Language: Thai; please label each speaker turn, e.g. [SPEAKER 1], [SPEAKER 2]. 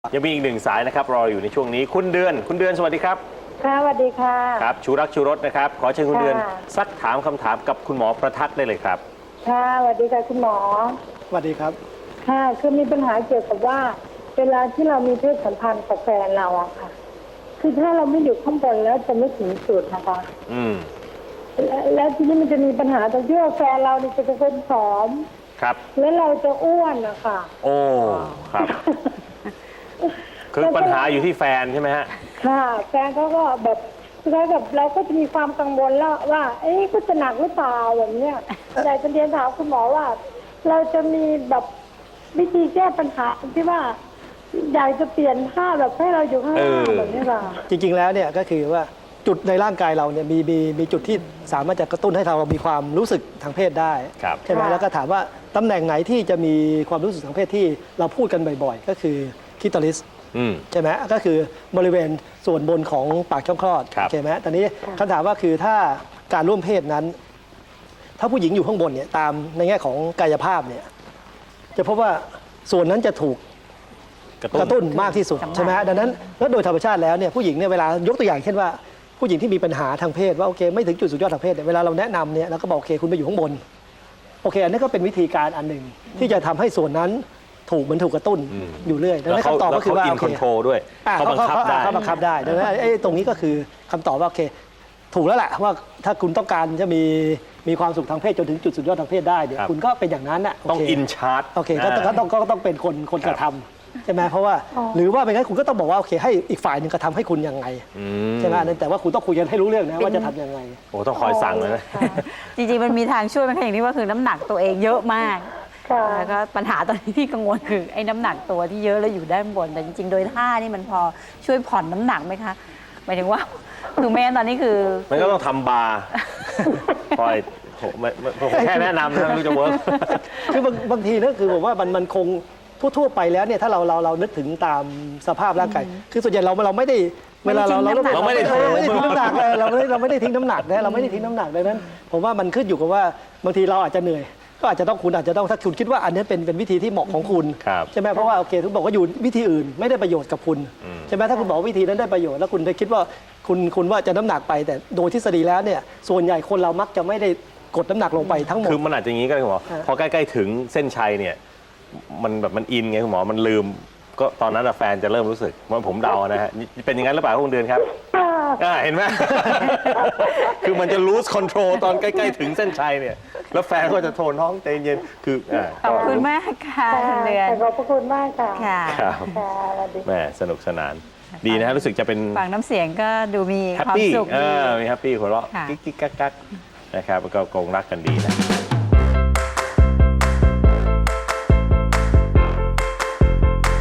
[SPEAKER 1] ยังมีอีกหนึ่งสายนะครับรออยู่ในช่วงนี้คุณเดือนสวัสดีครับ
[SPEAKER 2] ค่ะสวัสดีค่ะ
[SPEAKER 1] ครับชูรักชูรสนะครับขอเชิญคุณเดือนซักถามคำถามกับคุณหมอประทัดได้เลยครับ
[SPEAKER 2] ค่ะสวัสดีค่ะคุณหมอ
[SPEAKER 3] สวัสดีครับ
[SPEAKER 2] ค่ะคือมีปัญหาเกี่ยวกับว่าเวลาที่เรามีเพศสัมพันธ์กับแฟนเราอะค่ะคือถ้าเราไม่อยู่ข้างบนแล้วจะไม่ถึงจุดนะคะและทีนี้มันจะมีปัญหาตรงที่ว่าแฟนเราเนี่ยจะเป็นคนผอม
[SPEAKER 1] ครับ
[SPEAKER 2] แล้วเราจะอ้วนนะคะ
[SPEAKER 1] โอ้ครับคือปัญหาอยู่ที่แฟนใช่ไหมฮะ
[SPEAKER 2] ค่ะแฟนเขาก็แบบคือแบบเราก็จะมีความกังวลแล้วว่าเอ๊ะก็จะหนักหรือเปล่าแบบเนี้ยอยากจะเรียนถามคุณหมอว่าเราจะมีแบบวิธีแก้ปัญหาที่ว่าอยากจะเปลี่ยนท่าแบบให้เราอยู่ข้างล่างแบบนี้ค่ะ
[SPEAKER 3] จริงๆแล้วเนี่ยก็คือว่าจุดในร่างกายเราเนี่ยมีจุดที่สามารถจะกระตุ้นให้เรามีความรู้สึกทางเพศได้ใช่ไหมแล้วก็ถามว่าตำแหน่งไหนที่จะมีความรู้สึกทางเพศที่เราพูดกันบ่อยๆก็คือคลิตอริสใช่ไหมก็คือบริเวณส่วนบนของปากช่องคลอดใช่ไหมตอนนี้คำถามว่าคือถ้าการร่วมเพศนั้นถ้าผู้หญิงอยู่ข้างบนเนี่ยตามในแง่ของกายภาพเนี่ยจะพบว่าส่วนนั้นจะถูกกระตุ้นมากที่สุดใช่ไหมดังนั้นแล้วโดยธรรมชาติแล้วเนี่ยผู้หญิงเนี่ยเวลายกตัวอย่างเช่นว่าผู้หญิงที่มีปัญหาทางเพศว่าโอเคไม่ถึงจุดสุดยอดทางเพศเนี่ยเวลาเราแนะนำเนี่ยเราก็บอกโอเคคุณไปอยู่ข้างบนโอเคอันนี้ก็เป็นวิธีการอันหนึ่งที่จะทำให้ส่วนนั้นมันถูกกระตุ้นอยู่เรื่อยดังนั้นคำตอบก็คือว่า
[SPEAKER 1] เขาอินคอนโทรลด้วยเขาบังคับได้
[SPEAKER 3] ดังนั้นตรงนี้ก็คือคำตอบว่าโอเคถูกแล้วแหละว่าถ้าคุณต้องการจะมีความสุขทางเพศจนถึงจุดสุดยอดทางเพศได้เนี่ยคุณก็เป็นอย่างนั้นน่ะ
[SPEAKER 1] ต้องอินชาร์ต
[SPEAKER 3] โอเคก็ต้องเป็นคนกระทำใช่ไหมเพราะว่าหรือว่าไม่งั้นคุณก็ต้องบอกว่าโอเคให้อีกฝ่ายหนึ่งกระทำให้คุณยังไงใช่ไหมแต่ว่าคุณต้องคุยกันให้รู้เรื่องนะว่าจะทำยังไง
[SPEAKER 1] โอ้ต้องคอยสั่งเลยนะ
[SPEAKER 4] จริงๆมันมีทางช่วยมันอย่างนี้ว่าคือน้ำหนักตัวเองเยอะมากแล้วก็ปัญหาตอนนี้ที่กังวลคือไอ้น้ำหนักตัวที่เยอะแล้วอยู่ด้านบนแต่จริงๆโดยท่านี่มันพอช่วยผ่อนน้ำหนักไหมคะหมายถึงว่าคือแม่ตอนนี้คือ
[SPEAKER 1] มันก็ต้องทำบาร์คอยผมแค่แนะนำนะไม่รู้จะเวิร์ก
[SPEAKER 3] คือบางทีนะคือผมว่ามันคงทั่วไปแล้วเนี่ยถ้าเรานึกถึงตามสภาพร่างกายคือส่วนใหญ่เราไม่ได้เวลาเราไม่ได้ทิ้งน้ำหนักเลยเราไม่ได้ทิ้งน้ำหนักนะเราไม่ได้ทิ้งน้ำหนักดังนั้นผมว่ามันขึ้นอยู่กับว่าบางทีเราอาจจะเหนื่อยก็อาจจะต้องคุณอาจจะต้องถ้าคุณคิดว่าอันนี้เป็นวิธีที่เหมาะของคุณใช่ไหมเพราะว่าโอเคทุกบอกว่าอยู่วิธีอื่นไม่ได้ประโยชน์กับคุณใช่ไหมถ้าคุณบอกวิธีนั้นได้ประโยชน์แล้วคุณได้คิดว่าคุณว่าจะน้ำหนักไปแต่โดยทฤษฎีแล้วเนี่ยส่วนใหญ่คนเรามักจะไม่ได้กดน้ำหนักลงไปทั้งหมด
[SPEAKER 1] คือมันอาจจะอย่างนี้ก็ได้คุณหมอพอใกล้ๆถึงเส้นชัยเนี่ยมันอินไงคุณหมอมันลืมก็ตอนนั้นแฟนจะเริ่มรู้สึกว่าผมเดานะฮะเป็นอย่างนั้นหรือเปล่าคุณเดือนครับเห็นไหมคือมันจะ lose control ตอนใกล้ๆถึงเส้นชัยเนี่ยแล้วแฟนก็จะโทนท้องใจเย็นคือ
[SPEAKER 4] ขอบคุณมากค่ะเดือน
[SPEAKER 2] ขอบคุณมากค่ะ
[SPEAKER 1] ครับแม่สนุกสนานดีนะรู้สึกจะเป็น
[SPEAKER 4] ฟังน้ำเสียงก็ดูมีความสุข
[SPEAKER 1] มีแฮปปี้หัวเราะกิ๊กกักนะครับก็คงรักกันดีนะ